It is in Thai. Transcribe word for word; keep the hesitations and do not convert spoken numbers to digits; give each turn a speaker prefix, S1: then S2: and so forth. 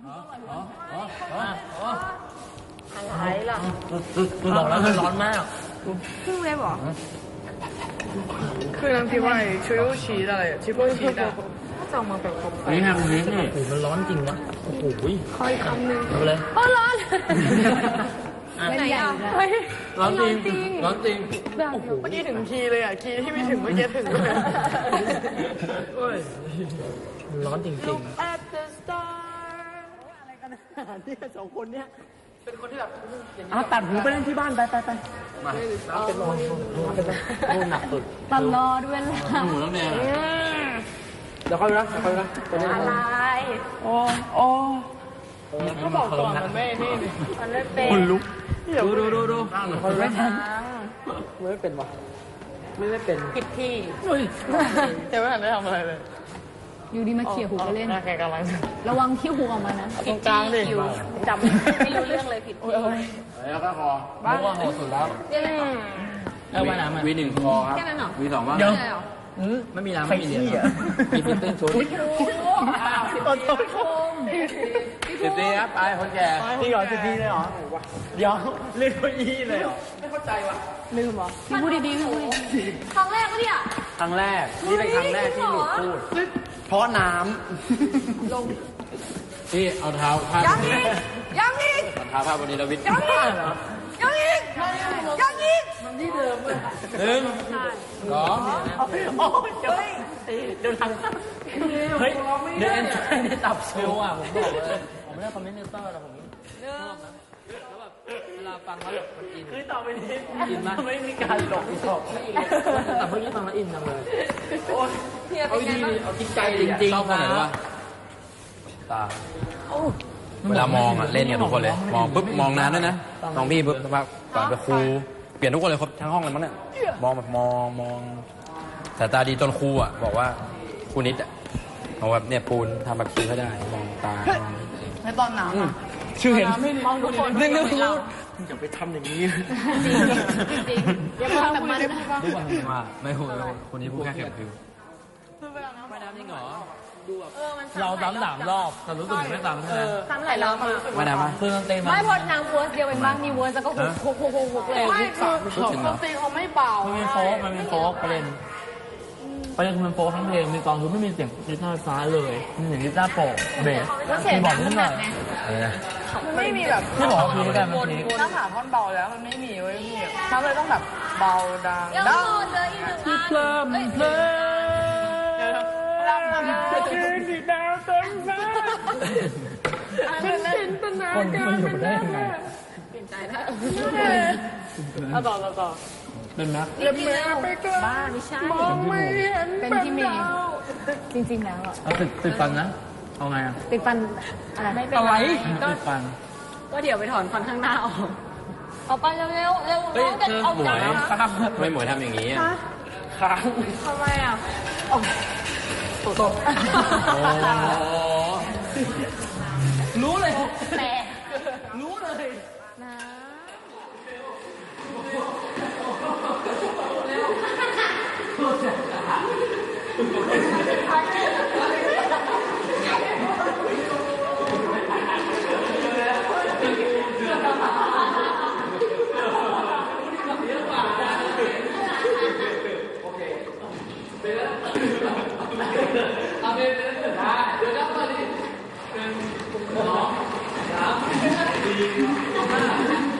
S1: อะไรล่ะ
S2: บอกแล้วมันร้อนมาก
S1: ครึ่งเลยบอก
S3: คือน้ำพริกว่าชูโยชีอะไรชิโก้ชีดอะ
S1: จะมาแบบผม
S2: นี่ฮะคุณนี่โอ้โหมันร้อนจริงวะโอ้โห
S1: คอยคำหนึ่ง
S2: เอาเลย
S1: โอ้ร้อนไหนอ่ะ
S2: ร้อนจริงร้อนจริง
S3: โอ้โหเมื่อกี้ถึงคีย์เลยอ่ะคีย์ที่ไม่ถึงเมื่อกี้ถึงเลย
S2: ร้อนจริงจริง
S3: อะไรกันเนี่ยสองคนเนี้ยเป็นคนที่แบบ
S2: อ่ะตัดหูไปเล่นที่บ้านไปไปไปมาเป็นโน่นเป็นโน่นหนักสุด
S1: ตลอดเวลา
S2: หูน้ำแดงเดี๋ยวค่อยดูนะเดี๋ยวค่อยดูนะ
S1: อะไร
S3: โอ้โอ้ก็บอกก่อนมันไม่นี่
S1: มันไม่เป็น
S2: คนลุกดูดูดูดู
S3: คนไม่ทำไม่เป็นวะไม่ไม่เป็น
S1: ผิดที่
S3: แต่ไม่ทันได้ทำอะไรเลย
S1: อยู่ดีมาเขี่ยหูกันเล่น
S3: แกกำลัง
S1: ระวังขี้หูออกมานะ
S3: ตรงกลางดิ
S1: จำไม่รู้เรื่องเลยผิดที่
S2: แล้วก็คอบ้าว่าคอสุดแล้วแล้วว่าน้ำวีหนึ่งคอครับวีสองว่า
S1: เดี๋ยว
S2: ไม่มีน้ำไม่มีเหรียญมีฟิตติ้งชุด
S3: ต้นต้น
S2: สิบตีครับไปคนแก่
S3: ที่ก่อนสิบตีเลยเหรอเดี๋ยวเล่นเก้าอี้เลยเหรอไม่เข้าใจว่ะ
S1: ลืมเหรอพี่พูดดีๆพูดดีๆครั้งแรกปะเนี่ย
S2: ครั้งแรกนี่เป็นครั้งแรกที่หลุดพูดเพราะน้ำลงที่เอาเท้าพาด
S1: ยังอีกยังอีก
S2: เท้าพาดบนนี้เราวิทย์
S1: ยังอีกยังอีกยังอีก
S3: มันที่เดิมเลย
S2: หนึ่งสอง
S3: โอ้ยเฮ้ยเดินทาง
S2: เฮ้ยเดินในตับเซลล์อ่ะผมบอกเลยผมไม่ได้คอมเมนเตอร์แต่ผมชอบนะแล้วแบบเวลาฟังแล้วแบบมันอิน
S3: คือต่อไปนี้
S2: อินมาก
S3: ไม่มีการหลอกหลอก
S2: แต่เมื่อกี้ฟังแล้วอินจังเลย
S3: เอาดีเอาจริงใจ
S2: จริงๆชอบคนไหนวะตาเวลามองอ่ะเล่นกันทุกคนเลยมองปุ๊บมองนานด้วยนะมองพี่ปุ๊บสักพักก่อนไปครูเปลี่ยนทุกคนเลยครบทั้งห้องเลยมั้งเนี่ยมองแบบมองมองสายตาดีจนครูอ่ะบอกว่าครูนิดอ่ะบอกว่าเนี่ยปูนทำแบบคิ้วให้ได้มองตา
S3: ในตอนหนาว
S2: ชื่อเห็น
S3: มองทุกคน
S2: เรื่องเรื่องพูดอย่าไปทำอย่างนี้
S1: จริงจริงอย่าพูดแบบมัน
S2: ดูว่าว่าไม่พูดคนนี้พูดแค่เข็มคิ้วไม่น้ำจริงเหรอดูแบบเราซ้ำสามรอบแต่รู้สึกไม่ซ้ำใช่ไหม
S1: ซ้ำหลายรอบ
S2: ไม่น้ำมั้ยเพื่อนเต้น
S1: ไม่พอนางเวิร์สเดียวเป็นบ้างมีเวิร์สแล้วก็หุบหุบหุบหุบเลย
S3: ไม่คือดนตรีเขาไม่เบา
S2: มันเป็นโฟกมันเป็นโฟกประเด็นประเด็นคือมันโฟกทั้งเพลงมีกองคือไม่มีเสียงกีตาร์ฟ้าเลยมีเสียงกีตาร์โปร่งเบส
S1: คีย์บอร์ด
S2: นิดหน่อย
S3: มันไม่มีแบบ
S2: ที่บอกคือกันมัน
S3: มีถ้าหาท่อนเบาแล้วมันไม่มีเว้ยพี่เขาเลยต้องแบบเบาดังดัง
S1: คือเพลิม
S2: เพลิม
S3: ดังดังคืนสีดาวเต็มฟ้าเป็นจินตนาการ
S2: อยู่ได้ยังไง
S1: เปลี่ยนใจแล้ว
S3: เอาต่อต่อต่อ
S2: เป็นนะ
S3: เล่นแม่ไปก็
S1: บ้าไม่ใช่
S3: มองไม่เห็น
S1: เป็นที่เมย์จริงๆแล้วอ่ะ
S2: เอาติดติดฟันนะเอาไงอ่ะ
S1: ติดฟันอะไรไม่เป็น
S2: ไรติดฟัน
S1: ก็เดี๋ยวไปถอนฟันข้างหน้าออกเอาไปเร็วเร็วเร็ว
S2: เฮ้ยเธอหมวยไม่หมวยทำอย่างนี้
S3: ค้าง
S1: ทำไมอ่ะ
S3: ตบ
S2: รู้เลย
S1: แต่
S3: รู้เลย
S1: นะ
S3: เอาไปเลยได้เดี๋ยวจะมาดิหนึ่งสองสามสี่ห้า